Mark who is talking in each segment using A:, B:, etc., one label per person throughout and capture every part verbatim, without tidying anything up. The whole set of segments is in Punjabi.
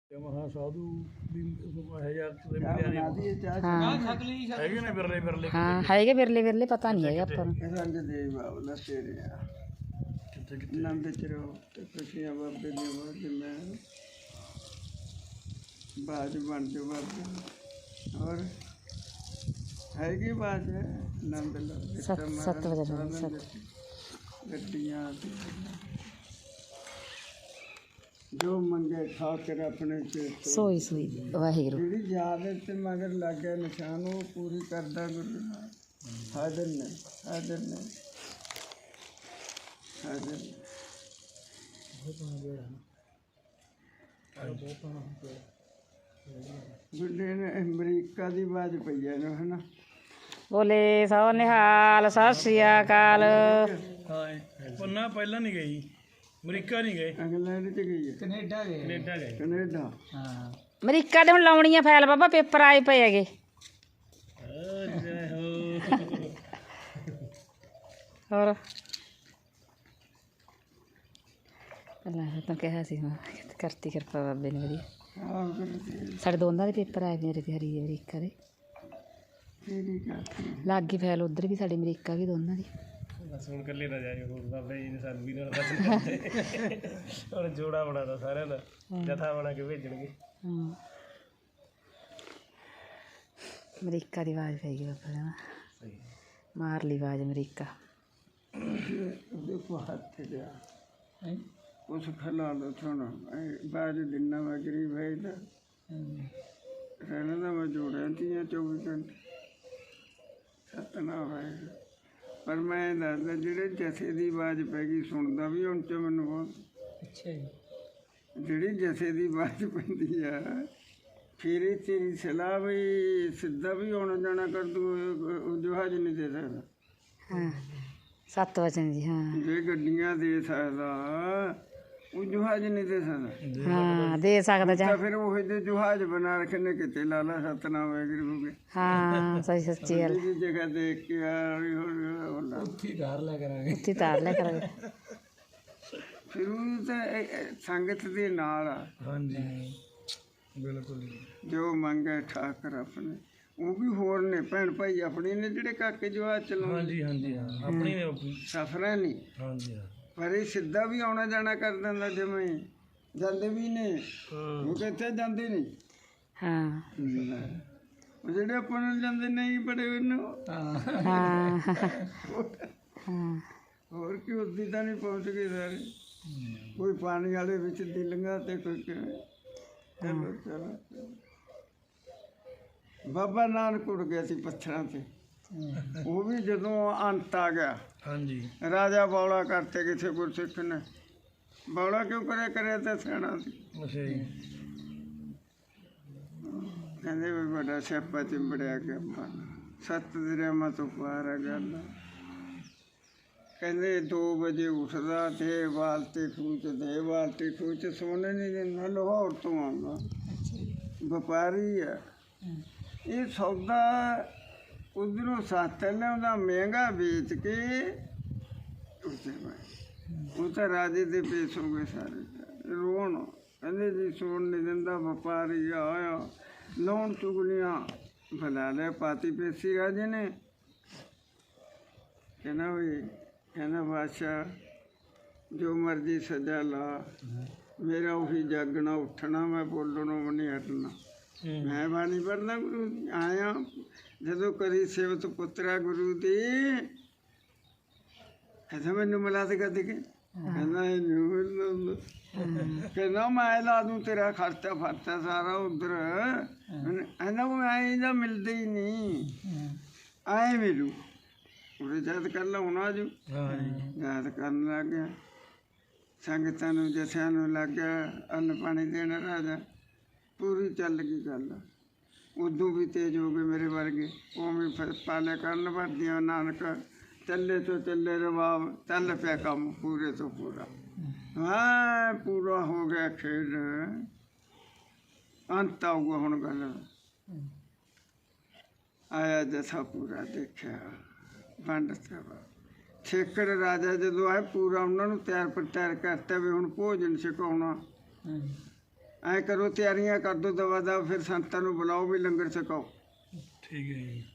A: ਮਹਾ ਸਾਧੂ ਵੀ ਇਹ ਯਾਰ ਤੇ ਮਿਲਿਆ ਨਹੀਂ
B: ਹਾਂ
A: ਹੈਗੇ ਨੇ ਬਿਰਲੇ ਬਿਰਲੇ
B: ਹਾਂ ਹੈਗੇ ਵਿਰਲੇ ਵਿਰਲੇ ਪਤਾ ਨਹੀਂ ਹੈਗਾ ਆਪਾਂ ਨੂੰ
C: ਰੰਗ ਦੇ ਬਾਬਲਾ ਤੇਰੇ ਆ
A: ਕਿੱਥੇ ਕਿੱਥੇ
C: ਨੰਦ ਚ ਰਹੋ ਤੇ ਖੁਸ਼ੀਆਂ ਬਾਬੇ ਦੀਆਂ ਬਾਜ ਮੈਂ ਬਾਜ ਬਣ ਜੋ ਬਾਬੇ ਹੋਰ ਹੈਗੀ ਬਾਜ ਨੰਦ ਲੋ
B: ਸੱਤ ਸੱਤ ਵਜੇ ਨਾਲ ਸੱਤ
C: ਗੱਡੀਆਂ ਜੋ ਮੰਗੇ ਠਾਕਰ ਆਪਣੇ ਚੇਤ
B: ਸੋਈ ਸੋਈ ਵਾਹਿਗੁਰੂ
C: ਜਿਹੜੀ ਯਾਦ ਤੇ ਮਗਰ ਲੱਗ ਗਿਆ ਨਿਸ਼ਾਨ ਉਹ ਪੂਰੀ ਕਰਦਾ ਗੁਰੂ ਹਾਜ਼ਰ ਨੇ ਹਾਜ਼ਰ ਨੇ ਹਾਜ਼ਰ ਨੇ ਗੁੱਡੇ ਨੇ ਅਮਰੀਕਾ ਦੀ ਬਾਜ ਪਈ ਹੈ ਨਾ ਹਨਾ
B: ਬੋਲੇ ਸੋ ਨਿਹਾਲ ਸਤਿ ਸ੍ਰੀ ਅਕਾਲ
A: ਹਾਂ ਪੰਨਾ ਪਹਿਲਾਂ ਨਹੀਂ ਗਈ ਅਮਰੀਕਾ ਨਹੀਂ ਗਏ
C: ਇੰਗਲੈਂਡ ਚ ਗਈ ਹੈ
A: ਕੈਨੇਡਾ ਗਏ ਕੈਨੇਡਾ ਗਏ
C: ਕੈਨੇਡਾ
A: ਹਾਂ
B: ਅਮਰੀਕਾ ਦੇ ਹੁਣ ਲਾਉਣੀ ਆ ਫਾਈਲ ਬਾਬਾ ਪੇਪਰ ਆਏ ਪਏ ਹੈਗੇ
A: ਜੈ ਹੋ
B: ਹੋਰ ਅੱਲਾ ਤਾਂ ਕਿਹਾ ਸੀ ਮੈਂ ਕਰਤੀ ਕਿਰਪਾ ਬਾਬੇ ਨੇ ਵਧੀਆ
C: ਹਾਂ ਗੁਰੂ
B: ਸਾਡੇ ਦੋਨਾਂ ਦੇ ਪੇਪਰ ਆਏ ਮੇਰੇ ਤੇ ਹਰੀ ਦੇ ਅਮਰੀਕਾ ਦੇ
C: ਤੇਰੀ ਕਰਤੀ
B: ਲੱਗ ਗਈ ਫਾਈਲ ਉਧਰ ਵੀ ਸਾਡੇ ਅਮਰੀਕਾ ਵੀ ਦੋਨਾਂ ਦੀ
A: ਬਸ ਹੁਣ ਇਕੱਲੇ ਨਾ ਜਾਇਓ ਹੋਰ ਬਾਬਾ ਜੀ ਨੇ ਸਾਨੂੰ ਵੀ ਨਾਲ ਦੱਸ ਹੁਣ ਜੋੜਾ ਬਣਾਦਾ ਸਾਰਿਆਂ ਦਾ ਜਥਾ ਬਣਾ ਕੇ ਭੇਜਣਗੇ
B: ਹਾਂ ਅਮਰੀਕਾ ਦੀ ਆਵਾਜ਼ ਪੈ ਗਈ ਬਾਬਾ ਨੇ
A: ਸਹੀ
B: ਮਾਰ ਲਈ ਆਵਾਜ਼ ਅਮਰੀਕਾ
C: ਦੇਖੋ ਹੱਥ ਗਿਆ ਉਸ ਖਲਾ ਲੋ ਸੁਣ ਬਾਜ ਦਿਨਾਂ ਵਾ ਗਰੀਬ ਹੈ ਤਾਂ ਰਹਿਣਾ ਦਾ ਮੈਂ ਜੋੜਿਆ ਤੀਆਂ ਚੌਵੀ ਘੰਟੇ ਸਤਨਾ ਹੋਏ ਪਰ ਮੈਂ ਦੱਸਦਾ ਜਿਹੜੇ ਜਥੇ ਦੀ ਆਵਾਜ਼ ਪੈ ਗਈ ਸੁਣਦਾ ਵੀ ਹੁਣ ਚ ਮੈਨੂੰ ਬਹੁਤ
A: ਅੱਛਾ ਜੀ
C: ਜਿਹੜੀ ਜਥੇ ਦੀ ਆਵਾਜ਼ ਪੈਂਦੀ ਆ ਫਿਰ ਇਹ ਤੇਰੀ ਸਲਾਹ ਵੀ ਸਿੱਧਾ ਵੀ ਆਉਣਾ ਜਾਣਾ ਕਰ ਦੂ ਜਹਾਜ਼ ਨਹੀਂ ਦੇ ਸਕਦਾ
B: ਹਾਂ ਸੱਤ ਵਜੇ ਜੀ ਹਾਂ
C: ਜੇ ਗੱਡੀਆਂ ਦੇ ਸਕਦਾ ਉਹ ਜਹਾਜ਼ ਨਹੀਂ ਦੇ ਸਕਦਾ
B: ਹਾਂ ਦੇ ਸਕਦਾ ਜਾ
C: ਤਾਂ ਫਿਰ ਉਹ ਜਿਹੇ ਜਹਾਜ਼ ਬਣਾ ਰੱਖੇ ਨੇ ਕਿਤੇ ਲਾਲਾ ਸਤਨਾਮ ਵਾਹਿਗੁਰੂ ਹੋ ਗਏ
B: ਹਾਂ ਸਹੀ ਸੱਚੀ ਗੱਲ
C: ਦੀ ਜਗ੍ਹਾ ਦੇਖ ਕੇ ਆ ਰਹੀ ਹੋ
A: ਉੱਥੇ ਧਾਰ ਲੈ ਕਰਾਂਗੇ
B: ਉੱਥੇ ਤਾਰ ਲਿਆ ਕਰਾਂਗੇ
C: ਫਿਰ ਉਹ ਤਾਂ ਇਹ- ਇਹ ਸੰਗਤ ਦੇ ਨਾਲ ਆ
A: ਹਾਂਜੀ ਬਿਲਕੁਲ
C: ਜੋ ਮੰਗੇ ਠਾਕਰ ਆਪਣੇ ਉਹ ਵੀ ਹੋਰ ਨੇ ਭੈਣ ਭਾਈ ਆਪਣੇ ਨੇ ਜਿਹੜੇ ਕਾਕੇ ਜਹਾਜ਼ ਚਲਾਉਂਦੇ
A: ਹਾਂਜੀ ਹਾਂਜੀ ਹਾਂ ਆਪਣੀ ਨੇ ਆਪਣੀ
C: ਸਫਰਾਂ ਨਹੀਂ
A: ਹਾਂਜੀ ਹਾਂ
C: ਪਰ ਇਹ ਸਿੱਧਾ ਵੀ ਆਉਣਾ ਜਾਣਾ ਕਰ ਦਿੰਦਾ ਜਿਵੇਂ ਜਾਂਦੇ ਵੀ ਨੇ
A: ਹਾਂ
C: ਉਹ ਕਿੱਥੇ ਜਾਂਦੇ ਨਹੀਂ
B: ਹਾਂ
C: ਉਹ ਜਿਹੜੇ ਆਪਾਂ ਨੂੰ ਜਾਂਦੇ ਨਹੀਂ ਬੜੇ ਉਹਨੂੰ
A: ਹਾਂ
B: ਹਾਂ ਹਾਂ
C: ਹੋਰ ਕੀ ਉਸਦੀ ਤਾਂ ਨਹੀਂ ਪਹੁੰਚ ਗਏ ਸਾਰੇ ਕੋਈ ਪਾਣੀ ਵਾਲੇ ਵਿੱਚ ਦੀ ਲੰਘਾ ਤੇ ਕੋਈ ਕਿਵੇਂ ਚਲੋ ਚਲੋ ਬਾਬਾ ਨਾਨਕ ਉੜ ਗਿਆ ਸੀ ਪੱਥਰਾਂ ਤੇ ਉਹ ਵੀ ਜਦੋਂ ਅੰਤ ਆ ਗਿਆ
A: ਹਾਂਜੀ
C: ਰਾਜਾ ਬੌਲਾ ਕਰਤੇ ਕਿਸੇ ਗੁਰਸਿੱਖ ਨੇ ਬੌਲਾ ਕਿਉਂ ਕਰਿਆ ਕਰਿਆ ਤਾਂ ਸਿਆਣਾ ਸੀ
A: ਅੱਛਾ ਜੀ
C: ਕਹਿੰਦੇ ਵੀ ਵੱਡਾ ਸਿਆਪਾ ਚਿੰਬੜਿਆ ਕਿ ਆਪਾਂ ਸੱਤ ਦਰਿਆਵਾਂ ਤੋਂ ਪਾਰ ਆ ਗੱਲ ਕਹਿੰਦੇ ਦੋ ਵਜੇ ਉੱਠਦਾ ਤੇ ਬਾਲਟੀ ਖੂਚ ਦੇ ਬਾਲਟੀ ਖੂਚ ਸੋਨੇ ਨਹੀਂ ਦਿੰਦਾ ਲਾਹੌਰ ਤੋਂ ਆਉਂਦਾ ਵਪਾਰੀ ਆ ਇਹ ਸੌਦਾ ਉਧਰੋਂ ਸਸਤਾ ਲਿਆਉਂਦਾ ਮਹਿੰਗਾ ਵੇਚ ਕੇ ਉੱਤੇ ਉਹ ਤਾਂ ਰਾਜੇ ਦੇ ਪੇਸ਼ ਹੋ ਗਏ ਸਾਰੇ ਰੋਣ ਕਹਿੰਦੇ ਜੀ ਸੋਣ ਨਹੀਂ ਦਿੰਦਾ ਵਪਾਰੀ ਆਇਆ ਲੋਨ ਚੁਗਲੀਆਂ ਬਣਾ ਲਿਆ ਪਾਤੀ ਪੇਸੀ ਰਾਜੇ ਨੇ ਕਹਿੰਦਾ ਵੀ ਕਹਿੰਦਾ ਬਾਦਸ਼ਾਹ ਜੋ ਮਰਜ਼ੀ ਸਜ਼ਾ ਲਾ ਮੇਰਾ ਉਹੀ ਜਾਗਣਾ ਉੱਠਣਾ ਮੈਂ ਬੋਲਣੋਂ ਵੀ ਨਹੀਂ ਹਟਣਾ ਮੈਂ ਬਾਣੀ ਪੜ੍ਹਨਾ ਗੁਰੂ ਆਇਆ ਜਦੋਂ ਕਰੀ ਸੇਵਤ ਪੁੱਤਰਾ ਗੁਰੂ ਦੀ ਕਹਿੰਦਾ ਮੈਨੂੰ ਮਿਲਾ ਤੇ ਕਦੇ ਕਿ ਕਹਿੰਦਾ ਇਹਨੂੰ ਕਹਿੰਦਾ ਮੈਂ ਲਾ ਦੂੰ ਤੇਰਾ ਖਰਚਾ ਫਰਚਾ ਸਾਰਾ ਉਧਰ ਕਹਿੰਦਾ ਉਹ ਐਂ ਦਾ ਮਿਲਦਾ ਹੀ ਨਹੀਂ ਐਂ ਮਿਲੂ ਉਹਦੇ ਜਦ ਕਰ ਲਾ ਹੁਣ ਆਜੂ
A: ਹਾਂਜੀ
C: ਯਾਦ ਕਰਨ ਲੱਗ ਗਿਆ ਸੰਗਤਾਂ ਨੂੰ ਜਥਿਆਂ ਨੂੰ ਲੱਗ ਗਿਆ ਅੰਨ ਪਾਣੀ ਦੇਣਾ ਰਾਜਾ ਪੂਰੀ ਚੱਲ ਗਈ ਗੱਲ ਉਦੋਂ ਵੀ ਤੇਜ਼ ਹੋ ਗਏ ਮੇਰੇ ਵਰਗੇ ਉਵੇਂ ਫਿਰ ਪਾਲੇ ਕਰਨ ਵਰਦੀਆਂ ਨਾਨਕ ਚੱਲੇ ਤੋਂ ਚੱਲੇ ਰਵਾਬ ਚੱਲ ਪਿਆ ਕੰਮ ਪੂਰੇ ਤੋਂ ਪੂਰਾ ਹਾਂ ਪੂਰਾ ਹੋ ਗਿਆ ਖੇਡ ਅੰਤ ਆਊਗਾ ਹੁਣ ਗੱਲ ਆਇਆ ਜਥਾ ਪੂਰਾ ਦੇਖਿਆ ਵੰਡ ਸਭਾ ਠੇਕੜ ਰਾਜਾ ਜਦੋਂ ਆਏ ਪੂਰਾ ਉਹਨਾਂ ਨੂੰ ਤਿਆਰ ਪਰ ਤਿਆਰ ਕਰਤਾ ਵੀ ਹੁਣ ਭੋਜਨ ਛਕਾਉਣਾ ਐ ਕਰੋ ਤਿਆਰੀਆਂ ਕਰ ਦੋ ਦਵਾ ਦਾ, ਫਿਰ ਸੰਤਾਂ ਨੂੰ ਬੁਲਾਓ ਵੀ ਲੰਗਰ ਛਕਾਓ।
A: ਠੀਕ ਹੈ ਜੀ।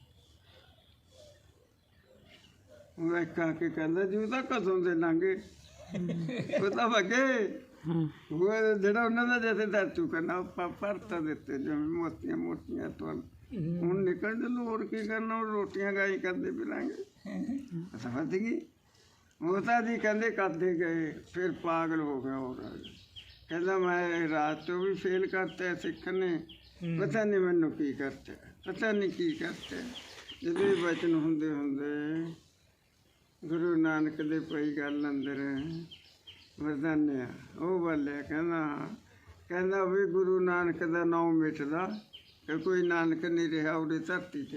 C: ਉਹ ਇੱਕ ਆ ਕੇ ਕਹਿੰਦਾ ਜੀ ਉਹ ਤਾਂ ਕਦੋਂ ਦੇ ਲੰਘੇ, ਉਹ ਤਾਂ ਵਗੇ
B: ਹੂੰ
C: ਉਹ ਜਿਹੜਾ ਉਹਨਾਂ ਦਾ ਜਥੇਦਾਰ ਚੁੱਕਣਾ ਆਪਾਂ ਭਰਤਾ ਦਿੱਤੇ ਜਿਵੇਂ ਮੋਤੀਆਂ ਮੋਟੀਆਂ ਤੋਂ ਹੁਣ ਨਿਕਲ ਜਲੋ, ਹੋਰ ਕੀ ਕਰਨਾ, ਹੁਣ ਰੋਟੀਆਂ ਗਾਈ ਕਰਦੇ ਫਿਰਾਂਗੇ। ਸਮਝ ਗਈ। ਉਹ ਤਾਂ ਜੀ ਕਹਿੰਦੇ ਕਰਦੇ ਗਏ, ਫਿਰ ਪਾਗਲ ਹੋ ਗਿਆ ਹੋਰ ਕਹਿੰਦਾ ਮੈਂ ਰਾਤ ਤੋਂ ਵੀ ਫੇਲ ਕਰਤਾ ਸਿੱਖ ਨੇ, ਪਤਾ ਨਹੀਂ ਮੈਨੂੰ ਕੀ ਕਰਤਾ, ਪਤਾ ਨਹੀਂ ਕੀ ਕਰਤਾ। ਜਦੋਂ ਇਹ ਬਚਨ ਹੁੰਦੇ ਹੁੰਦੇ ਗੁਰੂ ਨਾਨਕ ਦੇ ਪਈ ਗੱਲ ਅੰਦਰ ਵਰਦਾਨਿਆ ਉਹ ਬੋਲਿਆ, ਕਹਿੰਦਾ ਕਹਿੰਦਾ ਵੀ ਗੁਰੂ ਨਾਨਕ ਦਾ ਨਾਮ ਮਿਟਦਾ ਕਿ ਕੋਈ ਨਾਨਕ ਨਹੀਂ ਰਿਹਾ ਉਹਦੀ ਧਰਤੀ 'ਤੇ।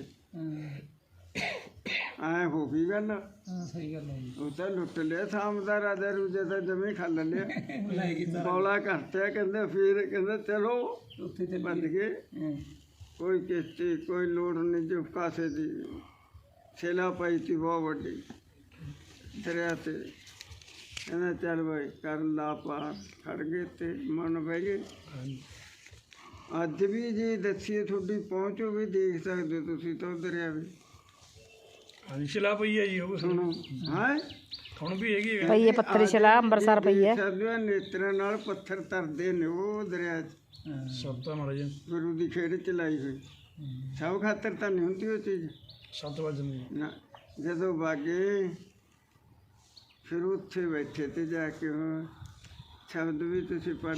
C: ਐ ਹੋ ਗਈ ਗੱਲ।
A: ਸਹੀ ਗੱਲ ਹੈ ਜੀ।
C: ਉਹ ਤਾਂ ਲੁੱਟ ਲਿਆ ਸ਼ਾਮ ਦਾ ਰਾਜਾ ਰੂਜੇ ਦਾ ਜਮੀ ਖਾ ਲਿਆ, ਬੌਲਾ ਕਰਤਿਆ। ਕਹਿੰਦਾ ਫਿਰ ਕਹਿੰਦਾ ਚਲੋ ਉੱਥੇ ਤੇ ਵੱਜ ਗਏ, ਕੋਈ ਕਿਸ਼ਤੀ ਕੋਈ ਲੋੜ ਨਹੀਂ, ਜੋ ਕਾਸੇ ਦੀ ਛੇਲਾ ਪਾਈ ਤੀ ਬਹੁਤ ਵੱਡੀ ਦਰਿਆ 'ਤੇ। ਕਹਿੰਦਾ ਚੱਲ ਬਾਈ ਕਰ ਲਾ ਪਾਰ, ਖੜ ਗਏ ਤੇ ਮਨ ਬਹਿ ਗਏ। ਅੱਜ ਵੀ ਜੇ ਦੱਸੀਏ ਤੁਹਾਡੀ ਪਹੁੰਚੋ ਵੀ ਦੇਖ ਸਕਦੇ ਤੁਸੀਂ ਤਾਂ ਉਹ ਦਰਿਆ ਵੀ।
A: ਹਾਂਜੀ ਸ਼ਿਲਾ ਪਈ ਹੈ ਜੀ ਉਹ
C: ਸੁਣੋ ਹੈ
A: ਹੁਣ ਵੀ ਹੈਗੀ ਹੈ।
B: ਪਈ ਹੈ ਪੱਥਰ ਸ਼ਿਲਾ ਅੰਬਰਸਰ ਪਈ ਹੈ।
C: ਸਾਡੇ ਨੇਤਰਾਂ ਨਾਲ ਪੱਥਰ ਤਰਦੇ ਨੇ ਉਹ ਦਰਿਆ 'ਚ,
A: ਸਭ ਮਹਾਰਾਜ
C: ਗੁਰੂ ਦੀ ਖੇਡ ਚ ਲਾਈ ਹੋਈ। ਸਭ ਖਾਤਰ ਤਾਂ ਨਹੀਂ ਹੁੰਦੀ ਉਹ ਚੀਜ਼
A: ਸੱਤ ਵਜੇ
C: ਨਾ। ਜਦੋਂ ਬਾਗੇ ਫਿਰ ਉੱਥੇ ਬੈਠੇ ਤੇ ਜਾ ਕੇ ਉਹ ਸ਼ਬਦ ਵੀ ਤੁਸੀਂ ਪੜ੍ਹ